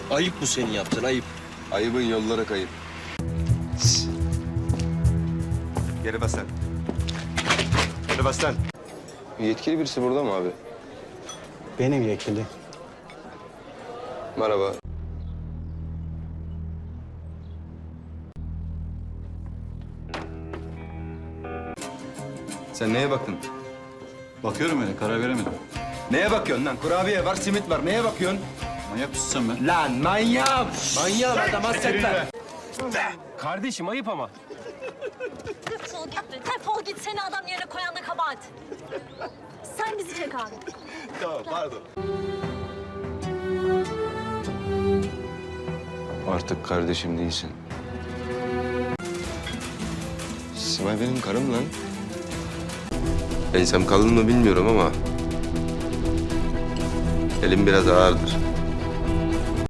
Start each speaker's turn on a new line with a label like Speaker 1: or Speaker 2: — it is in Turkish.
Speaker 1: Ayıp bu senin yaptığın, ayıp.
Speaker 2: Ayıbın yollara kayıp.
Speaker 3: Geri bas lan. Geri bas lan.
Speaker 2: Yetkili birisi burada mı abi?
Speaker 4: Benim yetkili.
Speaker 2: Merhaba. Sen neye baktın?
Speaker 5: Bakıyorum öyle, karar veremedim.
Speaker 2: Neye bakıyorsun lan? Kurabiye var, simit var. Neye bakıyorsun?
Speaker 5: Manyak mısın sen be?
Speaker 2: Lan manyağım! Manyağım adam hasretler.
Speaker 1: Kardeşim ayıp ama.
Speaker 6: Defol git be. Defol git. Seni adam yerine koyan da kabahat. Sen bizi çek abi.
Speaker 3: Tamam, pardon.
Speaker 2: Artık kardeşim değilsin. Simay benim karım lan. Ensem kalın mı bilmiyorum ama elim biraz ağırdır.